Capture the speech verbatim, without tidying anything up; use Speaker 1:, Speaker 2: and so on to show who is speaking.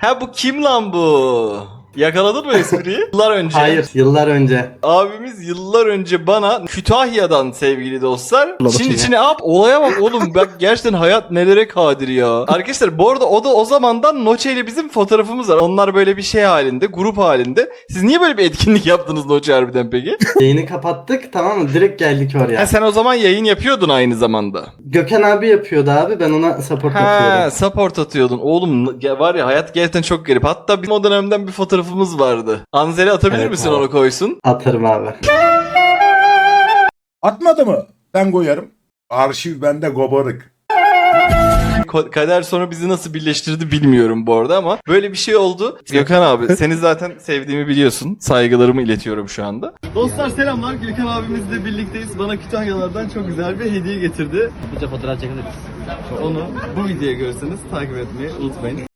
Speaker 1: Ha bu kim lan bu? Yakaladın mı espriyi? Yıllar önce.
Speaker 2: Hayır, yıllar önce.
Speaker 1: Abimiz yıllar önce bana Kütahya'dan sevgili dostlar.
Speaker 3: Ulan
Speaker 1: Çin
Speaker 3: bakayım
Speaker 1: içine ap olaya bak oğlum bak gerçekten hayat nelere kadir ya. Arkadaşlar bu arada o da o zamandan Noche ile bizim fotoğrafımız var. Onlar böyle bir şey halinde, grup halinde. Siz niye böyle bir etkinlik yaptınız Noche harbiden peki?
Speaker 2: Yayını kapattık, tamam mı? Direkt geldik oraya.
Speaker 1: Ha sen o zaman yayın yapıyordun aynı zamanda.
Speaker 2: Gökhan abi yapıyordu abi, ben ona support
Speaker 1: Ha
Speaker 2: atıyordum.
Speaker 1: support atıyordun. Oğlum ya var ya hayat gerçekten çok garip. Hatta bizim o dönemden bir fotoğrafımız vardı. Anzel'e atabilir
Speaker 2: Evet
Speaker 1: misin
Speaker 2: abi.
Speaker 1: onu koysun?
Speaker 2: Atarım abi.
Speaker 4: Atmadı mı? Ben koyarım. Arşiv bende gobarık.
Speaker 1: Ko- Kader sonra bizi nasıl birleştirdi bilmiyorum bu arada ama böyle bir şey oldu. Gökhan abi seni zaten sevdiğimi biliyorsun. Saygılarımı iletiyorum şu anda. Dostlar selamlar. Gökhan abimizle birlikteyiz. Bana Kütahyalardan çok güzel bir hediye getirdi.
Speaker 5: Bize fotoğraf çekiliriz.
Speaker 1: Onu bu videoya görürseniz takip etmeyi unutmayın.